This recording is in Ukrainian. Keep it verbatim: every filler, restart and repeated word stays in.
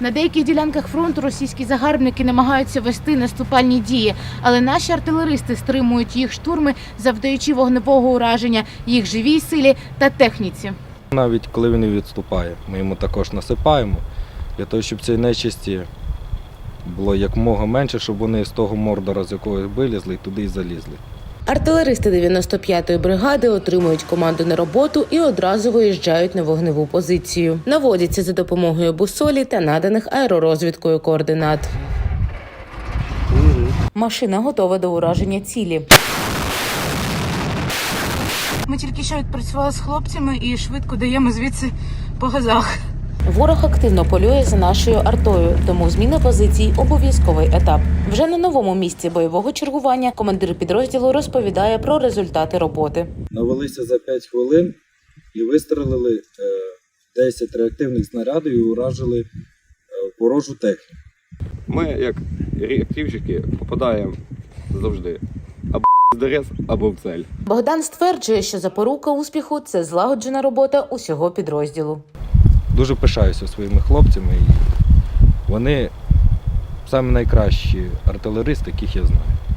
На деяких ділянках фронту російські загарбники намагаються вести наступальні дії, але наші артилеристи стримують їх штурми, завдаючи вогневого ураження їх живій силі та техніці. Навіть коли він відступає, ми йому також насипаємо, для того, щоб цієї нечисті було якомога менше, щоб вони з того мордора, з якого вилізли, туди і залізли. Артилеристи дев'яносто п'ятої бригади отримують команду на роботу і одразу виїжджають на вогневу позицію. Наводяться за допомогою бусолі та наданих аеророзвідкою координат. Машина готова до ураження цілі. Ми тільки що відпрацювали з хлопцями і швидко даємо звідси по газах. Ворог активно полює за нашою артою, тому зміна позицій – обов'язковий етап. Вже на новому місці бойового чергування командир підрозділу розповідає про результати роботи. Навелися за п'ять хвилин і вистрелили десять реактивних снарядів і уражили ворожу техніку. Ми, як реактивщики, попадаємо завжди або в дерез, або в цель. Богдан стверджує, що запорука успіху – це злагоджена робота усього підрозділу. Дуже пишаюся своїми хлопцями. І вони самі найкращі артилеристи, яких я знаю.